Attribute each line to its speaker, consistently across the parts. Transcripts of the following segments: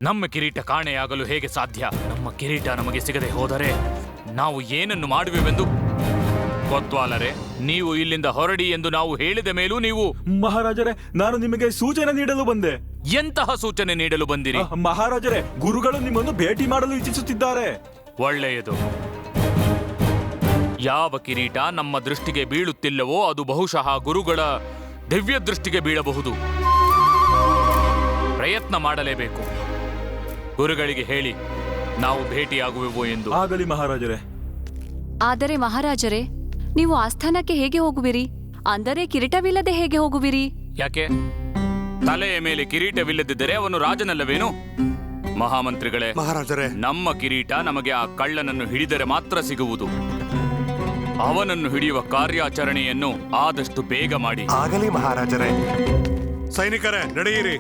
Speaker 1: ನಮ್ಮ ಕಿರೀಟ ಕಾಣೆಯಾಗಲು ಹೇಗೆ ಸಾಧ್ಯ? ನಮ್ಮ ಕಿರೀಟ ನಮಗೆ ಸಿಗದೆ ಹೋದರೆ ನಾವು ಏನನ್ನು ಮಾಡುವೆವೆಂದು ಕೊತ್ವಾಲರೇ, ನೀವು ಇಲ್ಲಿಂದ ಹೊರಡಿ ಎಂದು ನಾವು ಹೇಳಿದ ಮೇಲೂ ನೀವು...
Speaker 2: ಮಹಾರಾಜರೇ, ನಾನು ನಿಮಗೆ ಸೂಚನೆ ನೀಡಲು ಬಂದೆ.
Speaker 1: ಎಂತಹ ಸೂಚನೆ ನೀಡಲು ಬಂದಿರಿ?
Speaker 2: ಮಹಾರಾಜರೇ, ಗುರುಗಳು ನಿಮ್ಮನ್ನು ಭೇಟಿ ಮಾಡಲು ಇಚ್ಛಿಸುತ್ತಿದ್ದಾರೆ.
Speaker 1: ಒಳ್ಳೆಯದು. ಯಾವ ಕಿರೀಟ ನಮ್ಮ ದೃಷ್ಟಿಗೆ ಬೀಳುತ್ತಿಲ್ಲವೋ ಅದು ಬಹುಶಃ ಗುರುಗಳ ದಿವ್ಯ ದೃಷ್ಟಿಗೆ ಬೀಳಬಹುದು. ಪ್ರಯತ್ನ ಮಾಡಲೇಬೇಕು. ಗುರುಗಳಿಗೆ ಹೇಳಿ ನಾವು ಭೇಟಿಯಾಗುವೆವು ಎಂದು.
Speaker 2: ಆಗಲಿ ಮಹಾರಾಜರೇ.
Speaker 3: ಆದರೆ ಮಹಾರಾಜರೇ, ನೀವು ಆಸ್ಥಾನಕ್ಕೆ ಹೇಗೆ ಹೋಗುವಿರಿ? ಅಂದರೆ ಕಿರೀಟವಿಲ್ಲದೆ ಹೇಗೆ ಹೋಗುವಿರಿ?
Speaker 1: ಯಾಕೆ? ತಲೆಯ ಮೇಲೆ ಕಿರೀಟವಿಲ್ಲದಿದ್ದರೆ ಅವನು ರಾಜನಲ್ಲವೇನು? ಮಹಾಮಂತ್ರಿಗಳೇ,
Speaker 4: ಮಹಾರಾಜರೇ,
Speaker 1: ನಮ್ಮ ಕಿರೀಟ ನಮಗೆ ಆ ಕಳ್ಳನನ್ನು ಹಿಡಿದರೆ ಮಾತ್ರ ಸಿಗುವುದು. ಅವನನ್ನು ಹಿಡಿಯುವ ಕಾರ್ಯಾಚರಣೆಯನ್ನು ಆದಷ್ಟು ಬೇಗ ಮಾಡಿ.
Speaker 4: ಆಗಲಿ ಮಹಾರಾಜರೇ. ಸೈನಿಕರೇ, ನಡೆಯಿರಿ.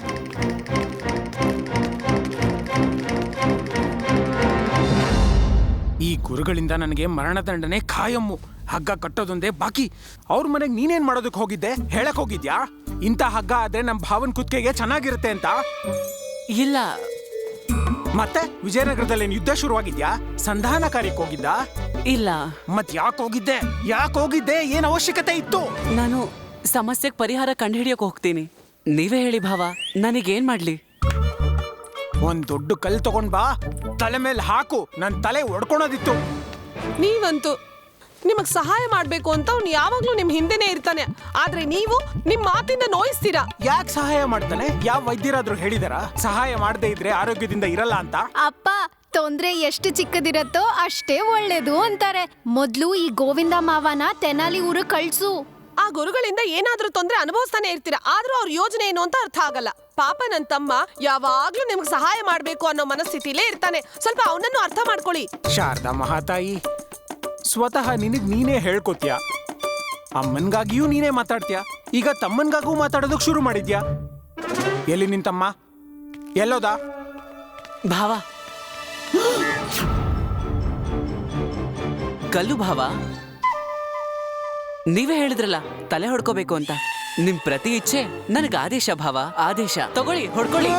Speaker 5: ಈ ಗುರುಗಳಿಂದ ನನಗೆ ಮರಣದಂಡನೆ ಖಾಯಮ್ಮು. ಹಗ್ಗ ಕಟ್ಟೋದೊಂದೇ ಬಾಕಿ. ಅವ್ರ ಮನೆಗೆ ನೀನೇನ್ ಮಾಡೋದಕ್ಕೆ ಹೋಗಿದ್ದೆ? ಹೇಳಕ್ ಹೋಗಿದ್ಯಾ ಇಂಥ ಹಗ್ಗ ಆದ್ರೆ ನಮ್ ಭಾವನ್ ಕುತ್ತಿಗೆಗೆ ಚೆನ್ನಾಗಿರುತ್ತೆ ಅಂತ?
Speaker 6: ಇಲ್ಲ.
Speaker 5: ಮತ್ತೆ ವಿಜಯನಗರದಲ್ಲಿ ಯುದ್ಧ ಶುರುವಾಗಿದ್ಯಾ? ಸಂಧಾನ ಕಾರ್ಯಕ್ಕೆ ಹೋಗಿದ್ದ?
Speaker 6: ಇಲ್ಲ.
Speaker 5: ಮತ್ ಯಾಕೆ ಹೋಗಿದ್ದೆ? ಏನ್ ಅವಶ್ಯಕತೆ ಇತ್ತು?
Speaker 6: ನಾನು ಸಮಸ್ಯೆಗೆ ಪರಿಹಾರ ಕಂಡುಹಿಡಿಯೋಕೆ ಹೋಗ್ತೀನಿ. ನೀವೇ ಹೇಳಿ ಭಾವ, ನನಗೇನ್ ಮಾಡ್ಲಿ?
Speaker 5: ಒಂದ್ ದೊಡ್ಡ ಕಲ್ ತಗೊಂಡ್ ಬಾ, ತಲೆ ಮೇಲೆ ಹಾಕು. ನನ್ ತಲೆ ಒಡ್ಕೊಳೋದಿತ್ತು.
Speaker 7: ನೀವಂತೂ ನಿಮಗ್ ಸಹಾಯ ಮಾಡ್ಬೇಕು ಅಂತ ಅವ್ನು ಯಾವಾಗ್ಲೂ ನಿಮ್ ಹಿಂದೆನೆ ಇರ್ತಾನೆ. ಆದ್ರೆ ನೀವು ನಿಮ್ ಮಾತಿಂದ ನೋಯಿಸ್ತೀರಾ.
Speaker 5: ಯಾಕೆ ಸಹಾಯ ಮಾಡ್ತಾನೆ? ಯಾವ ವೈದ್ಯರಾದ್ರೂ ಹೇಳಿದಾರ ಸಹಾಯ ಮಾಡದೇ ಇದ್ರೆ ಆರೋಗ್ಯದಿಂದ ಇರಲ್ಲ ಅಂತ?
Speaker 8: ಅಪ್ಪ, ತೊಂದ್ರೆ ಎಷ್ಟು ಚಿಕ್ಕದಿರತ್ತೋ ಅಷ್ಟೇ ಒಳ್ಳೇದು ಅಂತಾರೆ. ಮೊದ್ಲು ಈ ಗೋವಿಂದ ಮಾವನ ತೆನಾಲಿ ಊರು ಕಳ್ಸು.
Speaker 7: ಆ ಗುರುಗಳಿಂದ ಏನಾದ್ರೂ ತೊಂದ್ರೆ ಅನುಭವಿಸ್ತಾನೆ ಇರ್ತೀರಾ. ಆದ್ರೂ ಅವ್ರ ಯೋಜನೆ ಏನು ಅಂತ ಅರ್ಥ ಆಗಲ್ಲ. ಪಾಪ ನನ್ ತಮ್ಮ ಯಾವಾಗ್ಲೂ ನಿಮ್ಗೆ ಸಹಾಯ ಮಾಡ್ಬೇಕು ಅನ್ನೋ ಮನಸ್ಥಿತಿಲೇ ಇರ್ತಾನೆ. ಸ್ವಲ್ಪ ಅವನನ್ನು ಅರ್ಥ ಮಾಡ್ಕೊಳ್ಳಿ.
Speaker 5: ಶಾರದಾ ಮಹಾತಾಯಿ, ಸ್ವತಃ ನಿನಗ್ ನೀನೇ ಹೇಳ್ಕೊತ್ಯಾ. ಅಮ್ಮನ್ಗಾಗಿಯೂ ನೀನೇ ಮಾತಾಡ್ತೀಯ. ಈಗ ತಮ್ಮನ್ಗಾಗೂ ಮಾತಾಡೋದಕ್ ಶುರು ಮಾಡಿದ್ಯಾ. ಎಲ್ಲಿ ನಿನ್ ತಮ್ಮ? ಎಲ್ಲೋದ?
Speaker 6: ಭಾವ, ಕಲ್ಲು ಭಾವ, ನೀವೇ ಹೇಳಿದ್ರಲ್ಲ ತಲೆ ಹೊಡ್ಕೋಬೇಕು ಅಂತ. ನಿಮ್ ಪ್ರತಿ ಇಚ್ಛೆ ನನಗೆ ಆದೇಶ ಭಾವ, ಆದೇಶ. ತಗೊಳ್ಳಿ, ಹೊಡ್ಕೊಳ್ಳಿ.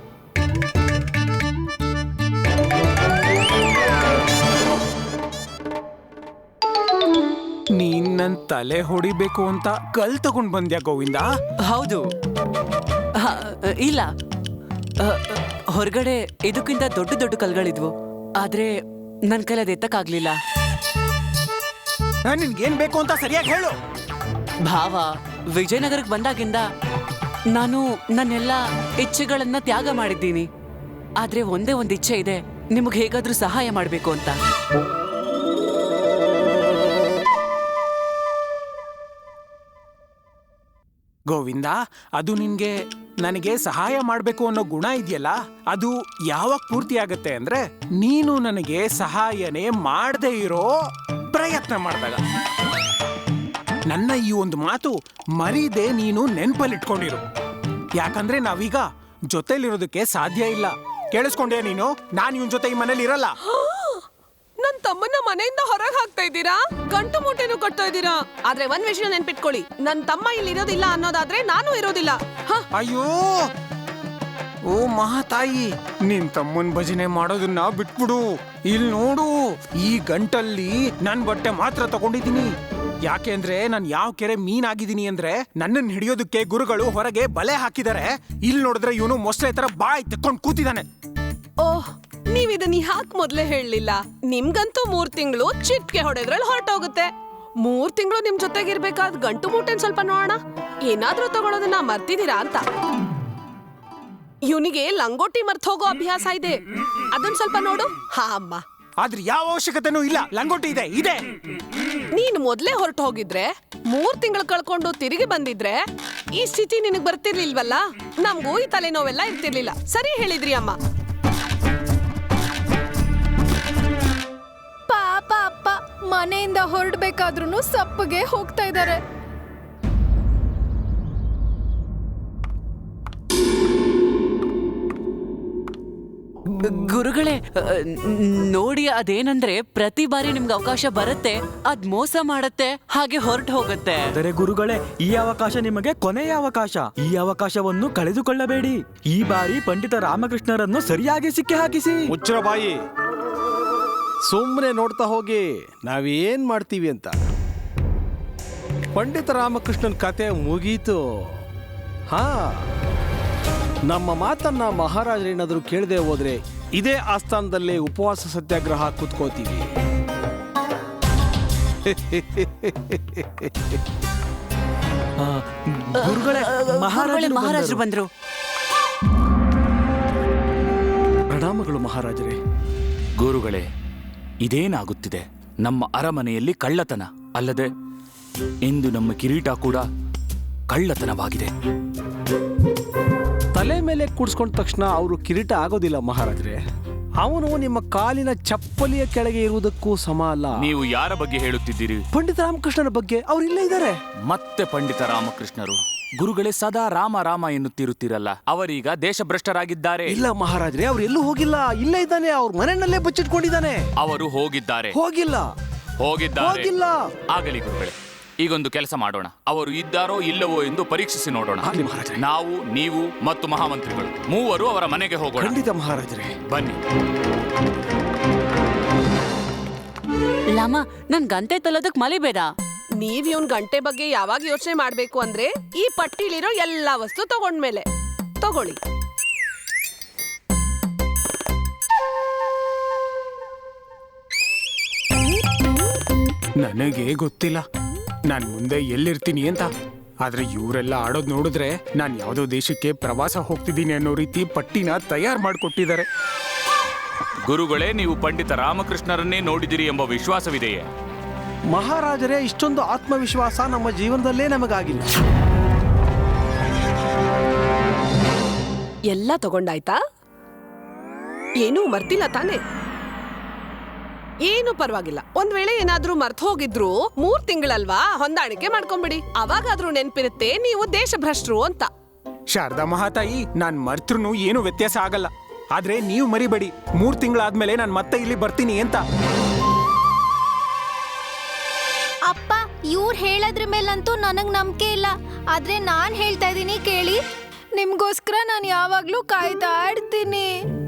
Speaker 5: ನೀನ್ ನನ್ ತಲೆ ಹೊಡಿಬೇಕು ಅಂತ ಕಲ್ ತಗೊಂಡ್ ಬಂದ್ಯಾ ಗೋವಿಂದ?
Speaker 6: ಹೌದು. ಇಲ್ಲ, ಹೊರಗಡೆ ಇದಕ್ಕಿಂತ ದೊಡ್ಡ ದೊಡ್ಡ ಕಲ್ಗಳಿದ್ವು. ಆದ್ರೆ ನನ್ ಕೈಲಿ ಅದು ಎತ್ತಕ್ಕಾಗ್ಲಿಲ್ಲ.
Speaker 5: ನಿನ್ಗೇನ್ ಬೇಕು ಅಂತ ಸರಿಯಾಗಿ ಹೇಳು.
Speaker 6: ಭಾವ, ವಿಜಯನಗರಕ್ಕೆ ಬಂದಾಗಿಂದ ನಾನು ನನ್ನೆಲ್ಲ ಇಚ್ಛೆಗಳನ್ನ ತ್ಯಾಗ ಮಾಡಿದ್ದೀನಿ. ಆದ್ರೆ ಒಂದೇ ಒಂದು ಇಚ್ಛೆ ಇದೆ, ನಿಮಗೆ ಹೇಗಾದ್ರೂ ಸಹಾಯ ಮಾಡ್ಬೇಕು ಅಂತ.
Speaker 5: ಗೋವಿಂದ, ಅದು ನಿನ್ಗೆ ನನಗೆ ಸಹಾಯ ಮಾಡ್ಬೇಕು ಅನ್ನೋ ಗುಣ ಇದೆಯಲ್ಲ, ಅದು ಯಾವಾಗ ಪೂರ್ತಿ ಆಗತ್ತೆ ಅಂದ್ರೆ ನೀನು ನನಗೆ ಸಹಾಯನೇ ಮಾಡದೇ ಇರೋ ಪ್ರಯತ್ನ ಮಾಡಿದಾಗ. ನನ್ನ ಈ ಒಂದು ಮಾತು ಮರೀದೆ ನೀನು ನೆನ್ಪಲ್ಲಿಟ್ಕೊಂಡಿರು. ಯಾಕಂದ್ರೆ ನಾವೀಗ ಜೊತೆಲಿರೋದಕ್ಕೆ ಸಾಧ್ಯ ಇಲ್ಲ. ಕೇಳಿಸ್ಕೊಂಡ್ಯಾ ನೀನು? ನಾನು ಇವನ್ ಜೊತೆ ಈ ಮನೇಲಿ ಇರಲ್ಲ.
Speaker 7: ನನ್ ತಮ್ಮನ್ನ ಮನೆಯಿಂದ ಹೊರಗೆ ಹಾಕ್ತಾ ಇದ್ದೀರಾ, ಗಂಟು ಮೂಟೆನೂ ಕಟ್ತಾ ಇದ್ದೀರಾ. ಆದ್ರೆ ಒಂದ್ ವಿಷಯ ನೆನ್ಪಿಟ್ಕೊಳ್ಳಿ, ನನ್ ತಮ್ಮ ಇಲ್ಲಿ ಇರೋದಿಲ್ಲ ಅನ್ನೋದಾದ್ರೆ ನಾನು ಇರೋದಿಲ್ಲ.
Speaker 5: ಅಯ್ಯೋ ಓ ಮಹಾತಾಯಿ, ನಿನ್ ತಮ್ಮನ್ ಭಜನೆ ಮಾಡೋದನ್ನ ಬಿಟ್ಬಿಡು. ಇಲ್ಲಿ ನೋಡು, ಈ ಗಂಟಲ್ಲಿ ನನ್ ಬಟ್ಟೆ ಮಾತ್ರ ತಗೊಂಡಿದ್ದೀನಿ. ಯಾಕೆ ಅಂದ್ರೆ ನಾನು ಯಾವ ಕೆರೆ ಮೀನಾಗಿದ್ದೀನಿ ಅಂದ್ರೆ ನನ್ನನ್ನು ಹಿಡಿಯೋದಕ್ಕೆ ಗುರುಗಳು ಹೊರಗೆ ಬಲೆ ಹಾಕಿದ್ದಾರೆ. ಇಲ್ಲಿ ನೋಡಿದ್ರೆ ಇವನು ಮೊಸಳೆ ತರ ಬಾಯ್ ತೆಕ್ಕೊಂಡ್ ಕೂತಿದ್ದಾನೆ.
Speaker 7: ಓಹ್, ನೀವ್ ಇದನ್ನ ಯಾಕೆ ಮೊದ್ಲೇ ಹೇಳಲಿಲ್ಲ? ನಿಮ್ಗಂತೂ 3 ತಿಂಗಳು ಚಿಟ್ಕೆ ಹೊಡೆದ್ರಲ್ಲಿ ಹೊರಟೋಗುತ್ತೆ. 3 ತಿಂಗಳು ನಿಮ್ ಜೊತೆಗಿರ್ಬೇಕಾದ್ ಗಂಟು ಮೂಟೆನ್ ಸ್ವಲ್ಪ ನೋಡೋಣ. ಏನಾದ್ರೂ ತಗೊಳೋದನ್ನ ಮರ್ತಿದ್ದೀರಾ ಅಂತ. ಇವನಿಗೆ ಲಂಗೋಟಿ ಮರ್ತ್ ಹೋಗೋ ಅಭ್ಯಾಸ ಇದೆ, ಅದನ್ ಸ್ವಲ್ಪ ನೋಡು. ಹಾ ಅಮ್ಮ.
Speaker 5: ಆದ್ರೆ ಯಾವ ಅವಶ್ಯಕತೆನೂ ಇಲ್ಲ. ಲಂಗೋಟಿ ಇದೆ.
Speaker 7: ನೀನ್ ಮೊದ್ಲೇ ಹೊರಟು ಹೋಗಿದ್ರೆ 3 ತಿಂಗಳು ಕಳ್ಕೊಂಡು ತಿರುಗಿ ಬಂದಿದ್ರೆ ಈ ಸ್ಥಿತಿ ನಿನಗ್ ಬರ್ತಿರ್ಲಿಲ್ವಲ್ಲ. ನಮ್ಗೂ ಈ ತಲೆನೋವೆಲ್ಲ ಇರ್ತಿರ್ಲಿಲ್ಲ. ಸರಿ ಹೇಳಿದ್ರಿ ಅಮ್ಮ.
Speaker 8: ಪಾಪ ಅಪ್ಪ ಮನೆಯಿಂದ ಹೊರಡ್ಬೇಕಾದ್ರೂ ಸಪ್ಪಗೆ ಹೋಗ್ತಾ ಇದ್ದಾರೆ.
Speaker 6: ಗುರುಗಳೇ, ನೋಡಿ ಅದೇನಂದ್ರೆ ಪ್ರತಿ ಬಾರಿ ನಿಮ್ಗೆ ಅವಕಾಶ ಬರುತ್ತೆ, ಅದ್ ಮೋಸ ಮಾಡತ್ತೆ, ಹಾಗೆ ಹೊರಟು ಹೋಗುತ್ತೆ.
Speaker 2: ಆದರೆ ಗುರುಗಳೇ, ಈ ಅವಕಾಶ ನಿಮಗೆ ಕೊನೆಯ ಅವಕಾಶ. ಈ ಅವಕಾಶವನ್ನು ಕಳೆದುಕೊಳ್ಳಬೇಡಿ. ಈ ಬಾರಿ ಪಂಡಿತ ರಾಮಕೃಷ್ಣರನ್ನು ಸರಿಯಾಗಿ ಸಿಕ್ಕಿ ಹಾಕಿಸಿ.
Speaker 9: ಮುಚ್ಚರ ಬಾಯಿ, ಸುಮ್ಮನೆ ನೋಡ್ತಾ ಹೋಗಿ ನಾವೇನ್ ಮಾಡ್ತೀವಿ ಅಂತ. ಪಂಡಿತ ರಾಮಕೃಷ್ಣನ್ ಕತೆ ಮುಗೀತು. ಹಾ, ನಮ್ಮ ಮಾತನ್ನ ಮಹಾರಾಜರೇನಾದರೂ ಕೇಳದೆ ಹೋದ್ರೆ ಇದೇ ಆಸ್ಥಾನದಲ್ಲೇ ಉಪವಾಸ ಸತ್ಯಾಗ್ರಹ ಕೂತ್ಕೋತೀವಿ.
Speaker 2: ಗುರುಗಳೇ,
Speaker 6: ಮಹಾರಾಜರು ಬಂದ್ರು.
Speaker 9: ಪ್ರಣಾಮಗಳು ಮಹಾರಾಜರೇ.
Speaker 1: ಗುರುಗಳೇ, ಇದೇನಾಗುತ್ತಿದೆ? ನಮ್ಮ ಅರಮನೆಯಲ್ಲಿ ಕಳ್ಳತನ ಅಲ್ಲದೆ ಇಂದು ನಮ್ಮ ಕಿರೀಟ ಕೂಡ ಕಳ್ಳತನವಾಗಿದೆ.
Speaker 9: ತಲೆ ಮೇಲೆ ಕೂಡ್ಸ್ಕೊಂಡ ತಕ್ಷಣ ಅವರು ಕಿರೀಟ ಆಗೋದಿಲ್ಲ ಮಹಾರಾಜರೇ. ಅವನು ನಿಮ್ಮ ಕಾಲಿನ ಚಪ್ಪಲಿಯ ಕೆಳಗೆ ಇರುವುದಕ್ಕೂ ಸಮ ಅಲ್ಲ.
Speaker 1: ನೀವು ಯಾರ ಬಗ್ಗೆ ಹೇಳುತ್ತಿದ್ದೀರಿ?
Speaker 9: ಪಂಡಿತ ರಾಮಕೃಷ್ಣನ ಬಗ್ಗೆ. ಅವ್ರು ಇಲ್ಲೇ ಇದ್ದಾರೆ.
Speaker 1: ಮತ್ತೆ ಪಂಡಿತ ರಾಮಕೃಷ್ಣರು? ಗುರುಗಳೇ, ಸದಾ ರಾಮ ರಾಮ ಎನ್ನುತ್ತಿರುತ್ತೀರಲ್ಲ, ಅವರೀಗ ದೇಶಭ್ರಷ್ಟರಾಗಿದ್ದಾರೆ.
Speaker 9: ಇಲ್ಲ ಮಹಾರಾಜರೇ, ಅವ್ರು ಎಲ್ಲೂ ಹೋಗಿಲ್ಲ, ಇಲ್ಲೇ ಇದ್ದಾನೆ. ಅವ್ರ ಮನೆಯಲ್ಲೇ ಬಚ್ಚಿಟ್ಕೊಂಡಿದ್ದಾನೆ.
Speaker 1: ಅವರು ಹೋಗಿದ್ದಾರೆ.
Speaker 9: ಹೋಗಿಲ್ಲ.
Speaker 1: ಆಗಲಿ ಗುರುಗಳೇ, ಈಗೊಂದು ಕೆಲಸ ಮಾಡೋಣ. ಅವರು ಇದ್ದಾರೋ ಇಲ್ಲವೋ ಎಂದು ಪರೀಕ್ಷಿಸಿ ನೋಡೋಣ. ನಾವು, ನೀವು ಮತ್ತು ಮಹಾಮಂತ್ರಿಗಳು ಮೂವರು ಅವರ ಮನೆಗೆ ಹೋಗೋಣ.
Speaker 9: ಖಂಡಿತ ಮಹಾರಾಜರೇ,
Speaker 1: ಬನ್ನಿ.
Speaker 6: ಲಾಮ, ನನ್ ಗಂಟೆ ತಲೋದಕ್ ಮಲಿಬೇಡ.
Speaker 7: ನೀವ್ ಇವನ್ ಗಂಟೆ ಬಗ್ಗೆ ಯಾವಾಗ ಯೋಚನೆ ಮಾಡ್ಬೇಕು ಅಂದ್ರೆ ಈ ಪಟ್ಟಿಲಿರೋ ಎಲ್ಲಾ ವಸ್ತು ತಗೊಂಡ್ಮೇಲೆ. ತಗೊಳ್ಳಿ.
Speaker 5: ನನಗೆ ಗೊತ್ತಿಲ್ಲ ನಾನು ಮುಂದೆ ಎಲ್ಲಿರ್ತೀನಿ ಅಂತ. ಆದ್ರೆ ಇವರೆಲ್ಲ ಆಡೋದ್ ನೋಡಿದ್ರೆ ನಾನು ಯಾವುದೋ ದೇಶಕ್ಕೆ ಪ್ರವಾಸ ಹೋಗ್ತಿದ್ದೀನಿ ಅನ್ನೋ ರೀತಿ ಪಟ್ಟಿನ ತಯಾರು ಮಾಡಿಕೊಟ್ಟಿದ್ದಾರೆ.
Speaker 1: ಗುರುಗಳೇ, ನೀವು ಪಂಡಿತ ರಾಮಕೃಷ್ಣರನ್ನೇ ನೋಡಿದಿರಿ ಎಂಬ ವಿಶ್ವಾಸವಿದೆಯೇ?
Speaker 9: ಮಹಾರಾಜರೇ, ಇಷ್ಟೊಂದು ಆತ್ಮವಿಶ್ವಾಸ ನಮ್ಮ ಜೀವನದಲ್ಲೇ ನಮಗಾಗಿಲ್ಲ.
Speaker 7: ಎಲ್ಲ ತಗೊಂಡಾಯ್ತಾ? ಏನೂ ಮರ್ತಿಲ್ಲ ತಾನೆ? ಏನು ಪರವಾಗಿಲ್ಲ. ಒಂದ್ ವೇಳೆ ಏನಾದ್ರೂ ಮರ್ತ್ ಹೋಗಿದ್ರು 3 ತಿಂಗಳಲ್ವಾ, ಹೊಂದಾಣಿಕೆ ಮಾಡ್ಕೊಂಬಿಡಿ. ಅವಾಗಾದ್ರೂ ನೆನ್ಪಿರುತ್ತೆ ನೀವು ದೇಶಭ್ರಷ್ಟರು ಅಂತ.
Speaker 5: ಶಾರದಾ ಮಹಾತಾಯಿ, ನಾನ್ ಮರ್ತೃನು ಏನು ವ್ಯತ್ಯಾಸ ಆಗಲ್ಲ. ಆದ್ರೆ ನೀವು ಮರಿಬೇಡಿ, 3 ತಿಂಗಳಾದ್ಮೇಲೆ ನಾನು ಮತ್ತೆ ಇಲ್ಲಿ ಬರ್ತೀನಿ ಅಂತ.
Speaker 8: ಅಪ್ಪ, ಇವ್ರು ಹೇಳೋದ್ರ ಮೇಲಂತೂ ನನಗ್ ನಂಬಿಕೆ ಇಲ್ಲ. ಆದ್ರೆ ನಾನ್ ಹೇಳ್ತಾ ಇದೀನಿ ಕೇಳಿ. ನಿಮ್ಗೋಸ್ಕರ ನಾನು ಯಾವಾಗ್ಲೂ ಕಾಯ್ತಾ ಇರ್ತೀನಿ.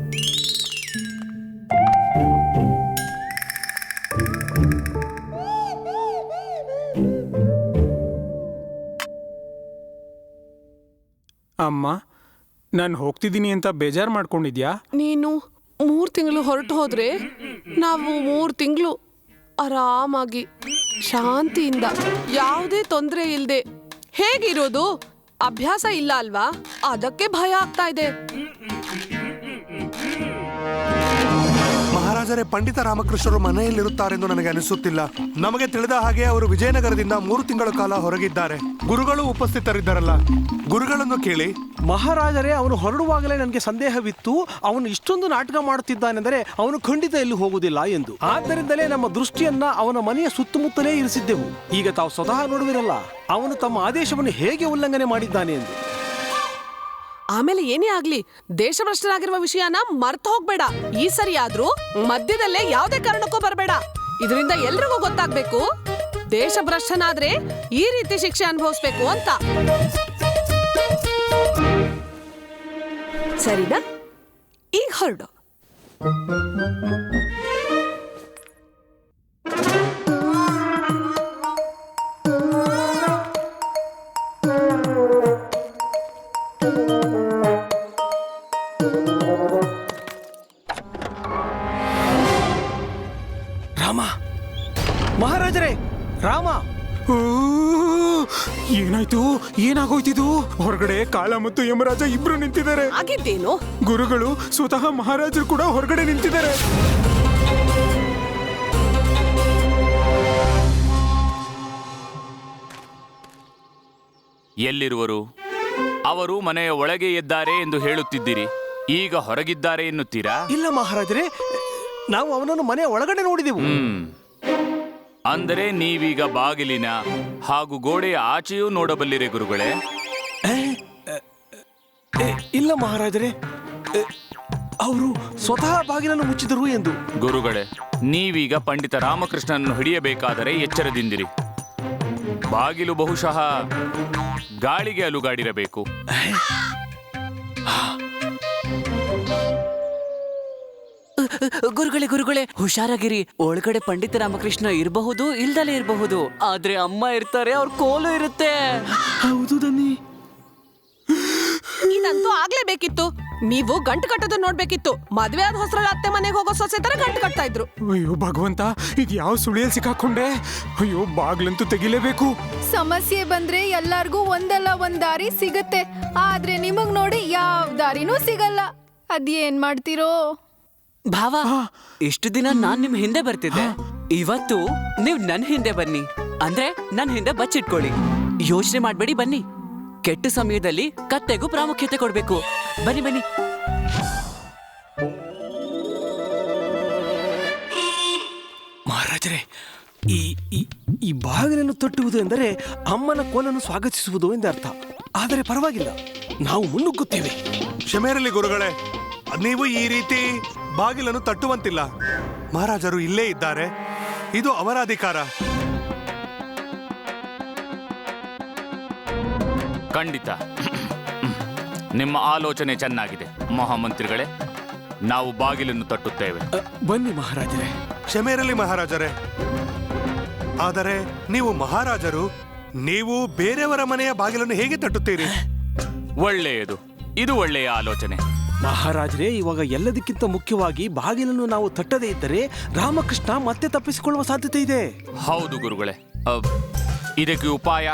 Speaker 5: ಅಮ್ಮ, ನಾನು ಹೋಗ್ತಿದ್ದೀನಿ ಅಂತ ಬೇಜಾರು ಮಾಡ್ಕೊಂಡಿದ್ಯಾ?
Speaker 7: ನೀನು 3 ತಿಂಗಳು ಹೊರಟು ಹೋದ್ರೆ ನಾವು 3 ತಿಂಗಳು ಆರಾಮಾಗಿ ಶಾಂತಿಯಿಂದ ಯಾವುದೇ ತೊಂದರೆ ಇಲ್ಲದೆ ಹೇಗಿರೋದು? ಅಭ್ಯಾಸ ಇಲ್ಲ ಅಲ್ವಾ, ಅದಕ್ಕೆ ಭಯ ಆಗ್ತಾ ಇದೆ.
Speaker 4: ಮಹಾರಾಜರೇ, ಪಂಡಿತ ರಾಮಕೃಷ್ಣರು ಮನೆಯಲ್ಲಿರುತ್ತಾರೆಂದು ನನಗೆ ಅನಿಸುತ್ತಿಲ್ಲ. ನಮಗೆ ತಿಳಿದ ಹಾಗೆ ಅವರು ವಿಜಯನಗರದಿಂದ 3 ತಿಂಗಳ ಕಾಲ ಹೊರಗಿದ್ದಾರೆ. ಗುರುಗಳು ಉಪಸ್ಥಿತರಿದ್ದಾರಲ್ಲ, ಗುರುಗಳನ್ನು ಕೇಳಿ.
Speaker 9: ಮಹಾರಾಜರೇ, ಅವನು ಹೊರಡುವಾಗಲೇ ನನಗೆ ಸಂದೇಹವಿತ್ತು. ಅವನು ಇಷ್ಟೊಂದು ನಾಟಕ ಮಾಡುತ್ತಿದ್ದಾನೆಂದರೆ ಅವನು ಖಂಡಿತ ಎಲ್ಲೂ ಹೋಗುವುದಿಲ್ಲ ಎಂದು. ಆದ್ದರಿಂದಲೇ ನಮ್ಮ ದೃಷ್ಟಿಯನ್ನ ಅವನ ಮನೆಯ ಸುತ್ತಮುತ್ತಲೇ ಇರಿಸಿದ್ದೆವು. ಈಗ ತಾವು ಸ್ವತಃ ನೋಡುವಿರಲ್ಲ ಅವನು ತಮ್ಮ ಆದೇಶವನ್ನು ಹೇಗೆ ಉಲ್ಲಂಘನೆ ಮಾಡಿದ್ದಾನೆ ಎಂದು.
Speaker 7: ಆಮೇಲೆ ಏನೇ ಆಗ್ಲಿ, ದೇಶಭ್ರಷ್ಟರಾಗಿರುವ ವಿಷಯನ ಮರ್ತು ಹೋಗ್ಬೇಡ. ಈ ಸರಿ ಆದ್ರೂ ಮಧ್ಯದಲ್ಲೇ ಯಾವುದೇ ಕಾರಣಕ್ಕೂ ಬರಬೇಡ. ಇದರಿಂದ ಎಲ್ರಿಗೂ ಗೊತ್ತಾಗ್ಬೇಕು ದೇಶಭ್ರಷ್ಟನಾದ್ರೆ ಈ ರೀತಿ ಶಿಕ್ಷೆ ಅನುಭವಿಸ್ಬೇಕು ಅಂತ. ಸರಿನಾ? ಈಗ ಹೊರಡು.
Speaker 9: ರಾಮ, ಮಹಾರಾಜರೇ, ರಾಮ!
Speaker 5: ಏನಾಯ್ತು? ಏನಾಗೋಯ್ತಿದು? ಹೊರಗಡೆ ಕಾಲ ಮತ್ತು ಯಮರಾಜ ಇಬ್ರು ನಿಂತಿದ್ದಾರೆ.
Speaker 7: ಆಗಿದ್ದೇನು?
Speaker 5: ಗುರುಗಳು, ಸ್ವತಃ ಮಹಾರಾಜರು ಕೂಡ ಹೊರಗಡೆ ನಿಂತಿದ್ದಾರೆ.
Speaker 1: ಎಲ್ಲಿರುವರು? ಅವರು ಮನೆಯ ಒಳಗೆ ಇದ್ದಾರೆ ಎಂದು ಹೇಳುತ್ತಿದ್ದೀರಿ, ಈಗ ಹೊರಗಿದ್ದಾರೆ ಎನ್ನುತ್ತೀರಾ?
Speaker 9: ಇಲ್ಲ ಮಹಾರಾಜರೇ, ನಾವು ಅವನನ್ನು ಮನೆಯ ಒಳಗಡೆ ನೋಡಿದೆವು.
Speaker 1: ಅಂದರೆ ನೀವೀಗ ಬಾಗಿಲಿನ ಹಾಗೂ ಗೋಡೆಯ ಆಚೆಯೂ ನೋಡಬಲ್ಲಿರೆ ಗುರುಗಳೇ?
Speaker 9: ಇಲ್ಲ ಮಹಾರಾಜರೇ, ಅವರು ಸ್ವತಃ ಬಾಗಿಲನ್ನು ಮುಚ್ಚಿದರು ಎಂದು.
Speaker 1: ಗುರುಗಳೇ, ನೀವೀಗ ಪಂಡಿತ ರಾಮಕೃಷ್ಣನನ್ನು ಹಿಡಿಯಬೇಕಾದರೆ ಎಚ್ಚರದಿಂದಿರಿ. ಬಾಗಿಲು ಬಹುಶಃ ಗಾಳಿಗೆ ಅಲುಗಾಡಿರಬೇಕು.
Speaker 6: ಗುರುಗಳೇ ಹುಷಾರಾಗಿರಿ. ಒಳಗಡೆ ಪಂಡಿತ ರಾಮಕೃಷ್ಣ ಇರಬಹುದು, ಇಲ್ದಲೇ ಇರಬಹುದು. ಆದ್ರೆ ಅಮ್ಮ ಇರ್ತಾರೆ, ಅವ್ರ ಕೋಲು ಇರುತ್ತೆ.
Speaker 2: ಹೌದು ದನಿ.
Speaker 7: ಇದಂತೂ ಆಗ್ಲೇಬೇಕಿತ್ತು. ನೀವು ಗಂಟು ಕಟ್ಟೋದನ್ನ ನೋಡ್ಬೇಕಿತ್ತು. ಮದ್ವೆ ಆದ ಹೊಸರಳ ಅತ್ತೆ ಮನೆಗೆ ಹೋಗೋ ಸೊಸೆ ತರ ಗಂಟು ಕಟ್ತಾ ಇದ್ರು.
Speaker 5: ಅಯ್ಯೋ ಭಗವಂತ, ಇದು ಯಾವ ಸುಳಿಯಲ್ಲಿ ಸಿಕ್ಕಾಕೊಂಡೆ. ಅಯ್ಯೋ, ಬಾಗ್ಲಂತೂ ತೆಗಿಲೇಬೇಕು.
Speaker 8: ಸಮಸ್ಯೆ ಬಂದ್ರೆ ಎಲ್ಲಾರ್ಗೂ ಒಂದಲ್ಲ ಒಂದ್ ದಾರಿ ಸಿಗತ್ತೆ, ಆದ್ರೆ ನಿಮಗ್ ನೋಡಿ ಯಾವ ದಾರಿನೂ ಸಿಗಲ್ಲ. ಅದೇನ್ ಮಾಡ್ತೀರೋ?
Speaker 6: ಭಾವ, ಇಷ್ಟು ದಿನ ನಾನ್ ನಿಮ್ ಹಿಂದೆ ಬರ್ತಿದ್ದೆ. ಇವತ್ತು ನೀವ್ ನನ್ ಹಿಂದೆ ಬನ್ನಿ. ಅಂದ್ರೆ ನನ್ ಹಿಂದೆ ಬಚ್ಚಿಟ್ಕೊಳ್ಳಿ. ಯೋಚನೆ ಮಾಡ್ಬೇಡಿ, ಬನ್ನಿ. ಕೆಟ್ಟ ಸಮಯದಲ್ಲಿ ಕತ್ತೆಗೂ ಪ್ರಾಮುಖ್ಯತೆ ಕೊಡ್ಬೇಕು. ಬನ್ನಿ ಬನ್ನಿ.
Speaker 9: ಮಹಾರಾಜರೇ, ಈ ಬಾಗಿಲನ್ನು ತಟ್ಟುವುದು ಎಂದರೆ ಅಮ್ಮನ ಕೋಲನ್ನು ಸ್ವಾಗತಿಸುವುದು ಎಂದರ್ಥ. ಆದರೆ ಪರವಾಗಿಲ್ಲ, ನಾವು ಮುನ್ನುಗ್ಗುತ್ತೇವೆ.
Speaker 4: ಕ್ಷಮೆ ಇರಲಿ ಗುರುಗಳೇ, ನೀವು ಈ ರೀತಿ ಬಾಗಿಲನ್ನು ತಟ್ಟುವಂತಿಲ್ಲ. ಮಹಾರಾಜರು ಇಲ್ಲೇ ಇದ್ದಾರೆ, ಇದು ಅವರ ಅಧಿಕಾರ.
Speaker 1: ಖಂಡಿತ ನಿಮ್ಮ ಆಲೋಚನೆ ಚೆನ್ನಾಗಿದೆ ಮಹಾಮಂತ್ರಿಗಳೇ. ನಾವು ಬಾಗಿಲನ್ನು ತಟ್ಟುತ್ತೇವೆ.
Speaker 9: ಬನ್ನಿ ಮಹಾರಾಜರೇ.
Speaker 4: ಕ್ಷಮೆ ಇರಲಿ ಮಹಾರಾಜರೇ, ಆದರೆ ನೀವು ಮಹಾರಾಜರು, ನೀವು ಬೇರೆಯವರ ಮನೆಯ ಬಾಗಿಲನ್ನು ಹೇಗೆ ತಟ್ಟುತ್ತೀರಿ?
Speaker 1: ಒಳ್ಳೆಯದು, ಇದು ಒಳ್ಳೆಯ ಆಲೋಚನೆ.
Speaker 9: ಮಹಾರಾಜರೇ, ಇವಾಗ ಎಲ್ಲದಕ್ಕಿಂತ ಮುಖ್ಯವಾಗಿ ಬಾಗಿಲನ್ನು ನಾವು ತಟ್ಟದೇ ಇದ್ದರೆ ರಾಮಕೃಷ್ಣ ಮತ್ತೆ ತಪ್ಪಿಸಿಕೊಳ್ಳುವ ಸಾಧ್ಯತೆ ಇದೆ.
Speaker 1: ಹೌದು ಗುರುಗಳೇ. ಇದಕ್ಕೆ ಉಪಾಯ?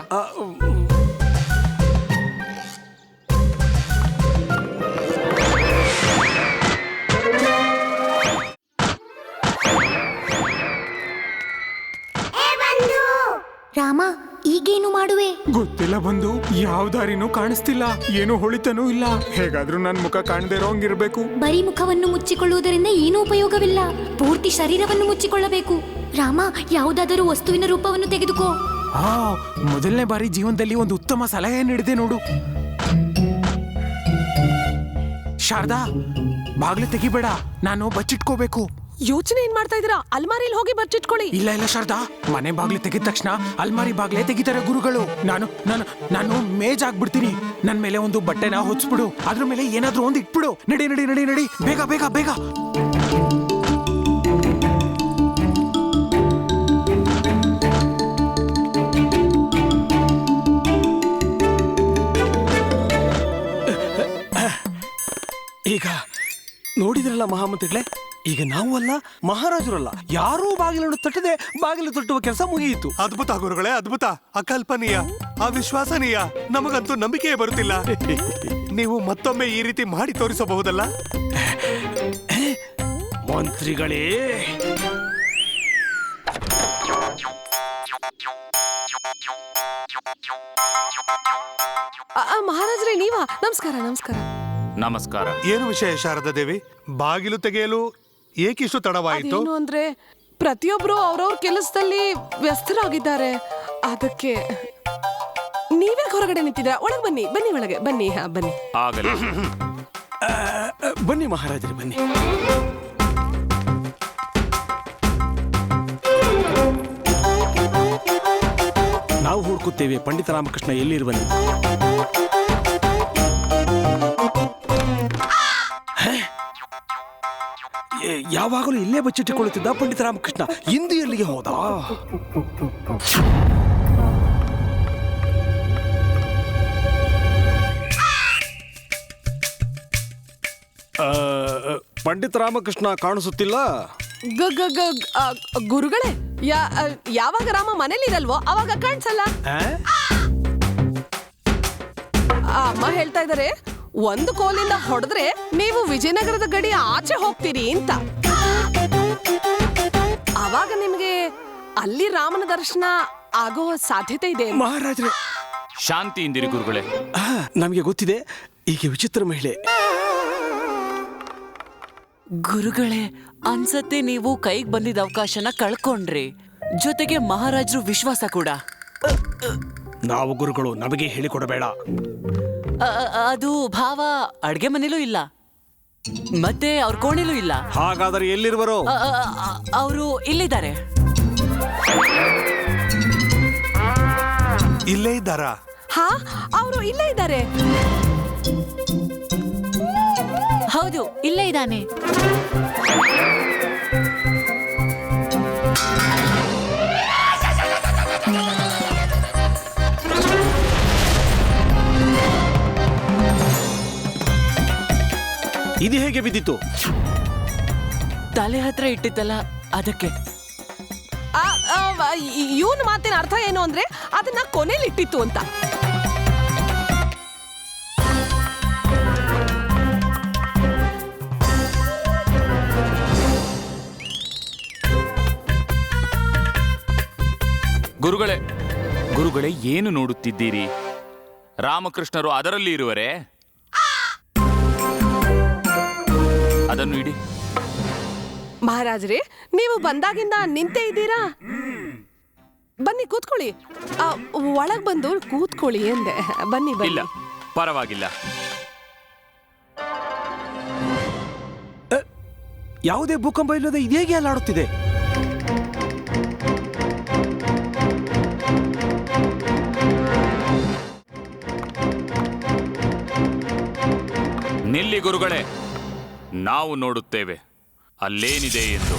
Speaker 8: ರಾಮ, ಈಗೇನು ಮಾಡುವೆ?
Speaker 5: ಗೊತ್ತಿಲ್ಲ ಬಂದು, ಯಾವ ದಾರಿನೂ ಕಾಣಿಸ್ತಿಲ್ಲ, ಏನು ಹೊಳಿತನೂ ಇಲ್ಲ. ಹೇಗಾದ್ರೂ ನನ್ ಮುಖ ಕಾಣದೇ ಇರೋಂಗಿರ್ಬೇಕು.
Speaker 8: ಬರೀ ಮುಖವನ್ನು ಮುಚ್ಚಿಕೊಳ್ಳುವುದರಿಂದ ಏನೂ ಉಪಯೋಗವಿಲ್ಲ. ಪೂರ್ತಿ ಶರೀರವನ್ನು ಮುಚ್ಚಿಕೊಳ್ಳಬೇಕು. ರಾಮ, ಯಾವುದಾದರೂ ವಸ್ತುವಿನ ರೂಪವನ್ನು ತೆಗೆದುಕೋ.
Speaker 5: ಮೊದಲನೇ ಬಾರಿ ಜೀವನದಲ್ಲಿ ಒಂದು ಉತ್ತಮ ಸಲಹೆ ನೀಡಿದೆ ನೋಡು. ಶಾರದಾ, ಬಾಗ್ಲು ತೆಗಿಬೇಡ, ನಾನು ಬಚ್ಚಿಟ್ಕೋಬೇಕು.
Speaker 7: ಯೋಚನೆ ಏನ್ ಮಾಡ್ತಾ ಇದೀರಾ? ಅಲ್ಮಾರಿಲಿ ಹೋಗಿ ಬಚ್ಚಿಟ್ಕೊಳ್ಳಿ.
Speaker 5: ಇಲ್ಲ ಶಾರದಾ, ಮನೆ ಬಾಗ್ಲು ತೆಗಿದ ತಕ್ಷಣ ಅಲ್ಮಾರಿ ಬಾಗ್ಲೇ ತೆಗಿತಾರೆ ಗುರುಗಳು. ನಾನು ಮೇಜ್ ಆಗ್ಬಿಡ್ತೀನಿ. ನನ್ ಮೇಲೆ ಒಂದು ಬಟ್ಟೆನ ಹೊಚ್ಬಿಡು, ಅದ್ರ ಮೇಲೆ ಏನಾದ್ರೂ ಒಂದು ಇಟ್ಬಿಡು. ನಡಿ ನಡಿ ನಡಿ ನಡಿ, ಬೇಗ ಬೇಗ ಬೇಗ.
Speaker 9: ಈಗ ನೋಡಿದ್ರಲ್ಲ ಮಹಾಮಂತ್ರಿಗಳೇ, ಈಗ ನಾವು ಅಲ್ಲ, ಮಹಾರಾಜರಲ್ಲ, ಯಾರೂ ಬಾಗಿಲನ್ನು ತಟ್ಟದೆ ಬಾಗಿಲು ತಟ್ಟುವ ಕೆಲಸ ಮುಗಿಯಿತು.
Speaker 4: ಅದ್ಭುತ ಗುರುಗಳೇ, ಅದ್ಭುತ, ಅಕಲ್ಪನೀಯ, ಅವಿಶ್ವಾಸನೀಯ. ನಮಗಂತೂ ನಂಬಿಕೆಯೇ ಬರುತ್ತಿಲ್ಲ. ನೀವು ಮತ್ತೊಮ್ಮೆ ಈ ರೀತಿ ಮಾಡಿ ತೋರಿಸಬಹುದಲ್ಲ?
Speaker 9: ಮಂತ್ರಿಗಳೇ,
Speaker 7: ಮಹಾರಾಜರೇ, ನೀವಾ? ನಮಸ್ಕಾರ ನಮಸ್ಕಾರ
Speaker 1: ನಮಸ್ಕಾರ.
Speaker 4: ಏನು ವಿಷಯ ಶಾರದಾ ದೇವಿ? ಬಾಗಿಲು ತೆಗೆಯಲು ಏಕಿಷ್ಟು ತಡವಾಯಿತು?
Speaker 7: ಏನು ಅಂದ್ರೆ, ಪ್ರತಿಯೊಬ್ರು ಅವ್ರವ್ರ ಕೆಲಸದಲ್ಲಿ ವ್ಯಸ್ತರಾಗಿದ್ದಾರೆ. ಅದಕ್ಕೆ ನೀವೇ ಹೊರಗಡೆ ನಿಂತಿದ್ದೀರಾ. ಒಳಗೆ ಬನ್ನಿ, ಬನ್ನಿ ಒಳಗೆ ಬನ್ನಿ. ಹಾ, ಬನ್ನಿ.
Speaker 1: ಆಗಲಿ.
Speaker 9: ಬನ್ನಿ ಮಹಾರಾಜರೇ, ಬನ್ನಿ. ನಾವು ಹುಡುಕುತ್ತೇವೆ ಪಂಡಿತ ರಾಮಕೃಷ್ಣ ಎಲ್ಲಿರುವನು. ಯಾವಾಗಲೂ ಇಲ್ಲೇ ಬಚ್ಚಿಟ್ಟುಕೊಳ್ಳುತ್ತಿದ್ದ ಪಂಡಿತ ರಾಮಕೃಷ್ಣ ಇಂದು ಎಲ್ಲಿಗೆ ಹೋದ? ಪಂಡಿತ ರಾಮಕೃಷ್ಣ ಕಾಣಿಸುತ್ತಿಲ್ಲ.
Speaker 7: ಗುರುಗಳೇ, ಯಾವಾಗ ರಾಮ ಮನೇಲಿ ಇರಲ್ವೋ ಅವಾಗ ಕಾಣಿಸಲ್ಲ. ಅಮ್ಮ ಹೇಳ್ತಾ ಇದಾರೆ, ಒಂದು ಕೋಲಿಂದ ಹೊಡೆದ್ರೆ ನೀವು ವಿಜಯನಗರದ ಗಡಿ ಆಚೆ ಹೋಗ್ತೀರಿ ಅಂತ. ಅವಾಗ ನಿಮ್ಗೆ ಅಲ್ಲಿ ರಾಮನ ದರ್ಶನ ಆಗೋ ಸಾಧ್ಯತೆ ಇದೆ.
Speaker 9: ಮಹಾರಾಜರೇ,
Speaker 1: ಶಾಂತಿಯಿಂದಿರಿ ಗುರುಗಳೇ.
Speaker 9: ನಮಗೆ ಗೊತ್ತಿದೆ, ಈಗ ವಿಚಿತ್ರ ಮಹಿಳೆ.
Speaker 6: ಗುರುಗಳೇ, ಅನ್ಸತ್ತೆ ನೀವು ಕೈಗೆ ಬಂದಿದ್ದ ಅವಕಾಶನ ಕಳ್ಕೊಂಡ್ರಿ. ಜೊತೆಗೆ ಮಹಾರಾಜರು ವಿಶ್ವಾಸ ಕೂಡ.
Speaker 9: ನಾವು ಗುರುಗಳು, ನಮಗೆ ಹೇಳಿಕೊಡಬೇಡ.
Speaker 6: ಅದು ಭಾವ ಅಡ್ಗೆ ಮನೇಲೂ ಇಲ್ಲ. ಮತ್ತೆ ಅವ್ರ ಕೋಣೆಲೂ ಇಲ್ಲ.
Speaker 9: ಹಾಗಾದರೆ ಎಲ್ಲಿರುವರು?
Speaker 6: ಅವರು ಇಲ್ಲಿದ್ದಾರೆ.
Speaker 4: ಇಲ್ಲೇ ಇದ್ದಾರಾ?
Speaker 7: ಹಾ, ಅವರು ಇಲ್ಲೇ ಇದ್ದಾರೆ.
Speaker 3: ಹೌದು, ಇಲ್ಲೇ ಇದ್ದಾನೆ.
Speaker 9: ಇದು ಹೇಗೆ ಬಿದ್ದಿತ್ತು?
Speaker 6: ತಲೆ ಹತ್ರ ಇಟ್ಟಿದ್ದಲ್ಲ, ಅದಕ್ಕೆ.
Speaker 7: ಇವನ್ ಮಾತಿನ ಅರ್ಥ ಏನು ಅಂದ್ರೆ ಅದನ್ನ ಕೊನೆಲಿ ಇಟ್ಟಿತ್ತು ಅಂತ.
Speaker 1: ಗುರುಗಳೇ ಏನು ನೋಡುತ್ತಿದ್ದೀರಿ? ರಾಮಕೃಷ್ಣರು ಅದರಲ್ಲಿ ಇರುವರೆ? ಅದನ್ನು ಇಡಿ.
Speaker 7: ಮಹಾರಾಜ್ರೆ, ನೀವು ಬಂದಾಗಿಂದ ನಿಂತೇ ಇದ್ದೀರಾ? ಬನ್ನಿ ಕೂತ್ಕೊಳ್ಳಿ. ಒಳಗ್ ಬಂದು ಕೂತ್ಕೊಳ್ಳಿ ಎಂದೆ. ಬನ್ನಿ
Speaker 1: ಇಲ್ಲ,
Speaker 7: ಬನ್ನಿ.
Speaker 1: ಪರವಾಗಿಲ್ಲ.
Speaker 9: ಯಾವುದೇ ಭೂಕಂಪ ಇಲ್ಲದೆ ಇದೇಗೆ ಅಲ್ಲಾಡುತ್ತಿದೆ?
Speaker 1: ನಿಲ್ಲಿ ಗುರುಗಳೇ, ನಾವು ನೋಡುತ್ತೇವೆ ಅಲ್ಲೇನಿದೆ ಎಂದು.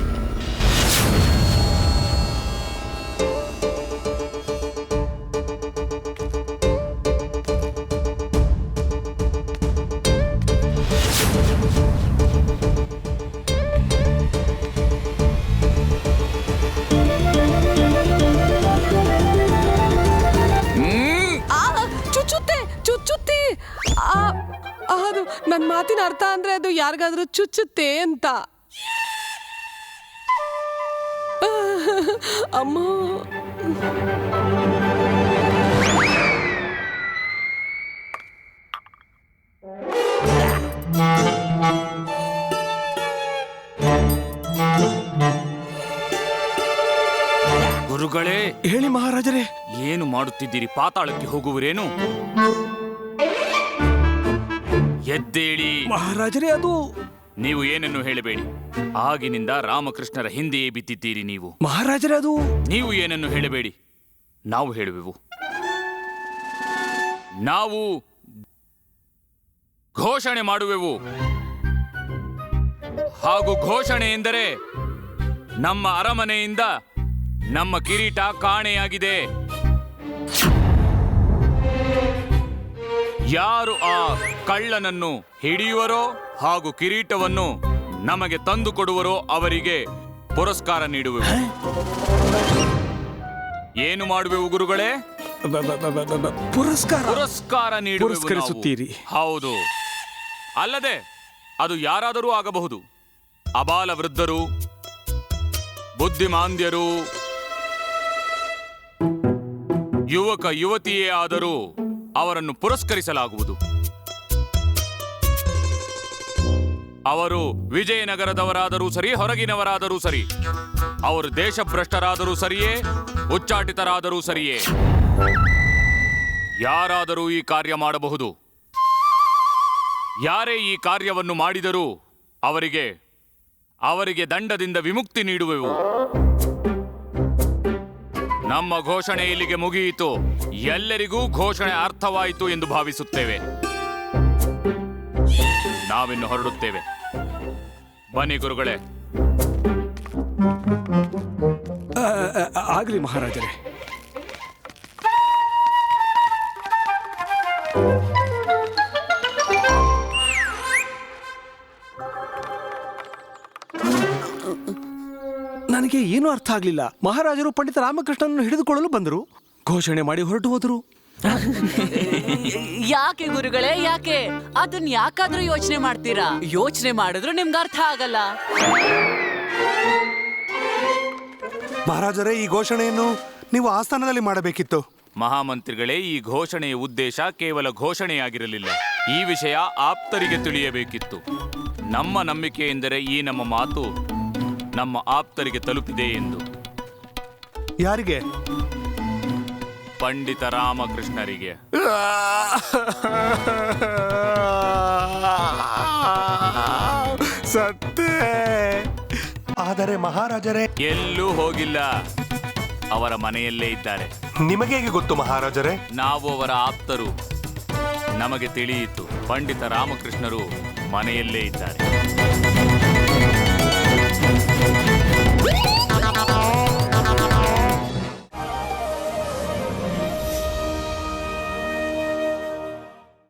Speaker 7: ಚುಚ್ಚುತ್ತೆ ಚುಚ್ಚುತ್ತೆ. ಅದು ನನ್ನ ಮಾತಿನ ಅರ್ಥ ಅಂದ್ರೆ ಅದು ಯಾರಿಗಾದ್ರೂ ಚುಚ್ಚುತ್ತೆ ಅಂತ. ಅಮ್ಮ,
Speaker 1: ಗುರುಗಳೇ,
Speaker 9: ಹೇಳಿ ಮಹಾರಾಜರೇ.
Speaker 1: ಏನು ಮಾಡುತ್ತಿದ್ದೀರಿ? ಪಾತಾಳಕ್ಕೆ ಹೋಗುವರೇನು? ಎದ್ದೇಳಿ
Speaker 9: ಮಹಾರಾಜರೇ, ಅದು
Speaker 1: ನೀವು ಏನನ್ನು ಹೇಳಬೇಡಿ. ಆಗಿನಿಂದ ರಾಮಕೃಷ್ಣರ ಹಿಂದೆಯೇ ಬಿದ್ದಿದ್ದೀರಿ ನೀವು.
Speaker 9: ಮಹಾರಾಜರೇ, ಅದು
Speaker 1: ನೀವು ಏನನ್ನು ಹೇಳಬೇಡಿ, ನಾವು ಹೇಳುವೆವು. ನಾವು ಘೋಷಣೆ ಮಾಡುವೆವು. ಹಾಗೂ ಘೋಷಣೆ ಎಂದರೆ ನಮ್ಮ ಅರಮನೆಯಿಂದ ನಮ್ಮ ಕಿರೀಟ ಕಾಣೆಯಾಗಿದೆ. ಯಾರು ಆ ಕಳ್ಳನನ್ನು ಹಿಡಿಯುವರೋ ಹಾಗೂ ಕಿರೀಟವನ್ನು ನಮಗೆ ತಂದು ಕೊಡುವರೋ ಅವರಿಗೆ ಪುರಸ್ಕಾರ ನೀಡುವೆವು. ಏನು ಮಾಡುವೆವು ಗುರುಗಳೇ? ಪುರಸ್ಕಾರ ನೀಡುವೆವು.
Speaker 9: ಪುರಸ್ಕರಿಸುತ್ತೀರಿ?
Speaker 1: ಹೌದು. ಅಲ್ಲದೆ ಅದು ಯಾರಾದರೂ ಆಗಬಹುದು. ಅಬಾಲ ವೃದ್ಧರು, ಬುದ್ಧಿಮಾಂದ್ಯರು, ಯುವಕ ಯುವತಿಯೇ ಆದರೂ ಅವರನ್ನು ಪುರಸ್ಕರಿಸಲಾಗುವುದು. ಅವರು ವಿಜಯನಗರದವರಾದರೂ ಸರಿ, ಹೊರಗಿನವರಾದರೂ ಸರಿ, ಅವರು ದೇಶಭ್ರಷ್ಟರಾದರೂ ಸರಿಯೇ, ಉಚ್ಚಾಟಿತರಾದರೂ ಸರಿಯೇ, ಯಾರಾದರೂ ಈ ಕಾರ್ಯ ಮಾಡಬಹುದು. ಯಾರೇ ಈ ಕಾರ್ಯವನ್ನು ಮಾಡಿದರೂ ಅವರಿಗೆ ದಂಡದಿಂದ ವಿಮುಕ್ತಿ ನೀಡುವೆವು. ನಮ್ಮ ಘೋಷಣೆ ಇಲ್ಲಿಗೆ ಮುಗಿಯಿತು. ಎಲ್ಲರಿಗೂ ಘೋಷಣೆ ಅರ್ಥವಾಯಿತು ಎಂದು ಭಾವಿಸುತ್ತೇವೆ. ನಾವಿನ್ನು ಹೊರಡುತ್ತೇವೆ. ಬನ್ನಿ ಗುರುಗಳೇ.
Speaker 9: ಆಗಲಿ ಮಹಾರಾಜರೇ. ನನಗೆ ಏನೂ ಅರ್ಥ ಆಗಲಿಲ್ಲ. ಮಹಾರಾಜರು ಪಂಡಿತ ರಾಮಕೃಷ್ಣನನ್ನು ಹಿಡಿದುಕೊಳ್ಳಲು ಬಂದರು, ಘೋಷಣೆ ಮಾಡಿ ಹೊರಟು ಹೋದರು.
Speaker 6: ಯಾಕೆ ಗುರುಗಳೇ, ಯಾಕೆ? ಅದನ್ನ ಯಾಕಾದ್ರೂ ಯೋಚನೆ ಮಾಡ್ತೀರಾ? ಯೋಚನೆ ಮಾಡಿದ್ರು ನಿಮ್ಗೆ ಅರ್ಥ ಆಗಲ್ಲ.
Speaker 4: ಮಹಾರಾಜರೇ, ಈ ಘೋಷಣೆಯನ್ನು ನೀವು ಆಸ್ಥಾನದಲ್ಲಿ ಮಾಡಬೇಕಿತ್ತು.
Speaker 1: ಮಹಾಮಂತ್ರಿಗಳೇ, ಈ ಘೋಷಣೆಯ ಉದ್ದೇಶ ಕೇವಲ ಘೋಷಣೆಯಾಗಿರಲಿಲ್ಲ. ಈ ವಿಷಯ ಆಪ್ತರಿಗೆ ತಿಳಿಯಬೇಕಿತ್ತು. ನಮ್ಮ ನಂಬಿಕೆ ಎಂದರೆ ಈ ನಮ್ಮ ಮಾತು ನಮ್ಮ ಆಪ್ತರಿಗೆ ತಲುಪಿದೆ ಎಂದು.
Speaker 4: ಯಾರಿಗೆ?
Speaker 1: ಪಂಡಿತ ರಾಮಕೃಷ್ಣರಿಗೆ.
Speaker 4: ಸತ್ತೇ. ಆದರೆ ಮಹಾರಾಜರೇ,
Speaker 1: ಎಲ್ಲೂ ಹೋಗಿಲ್ಲ, ಅವರ ಮನೆಯಲ್ಲೇ ಇದ್ದಾರೆ.
Speaker 4: ನಿಮಗೆ ಹೇಗೆ ಗೊತ್ತು ಮಹಾರಾಜರೇ?
Speaker 1: ನಾವು ಅವರ ಆಪ್ತರು. ನಮಗೆ ತಿಳಿಯಿತು, ಪಂಡಿತ ರಾಮಕೃಷ್ಣರು ಮನೆಯಲ್ಲೇ ಇದ್ದಾರೆ.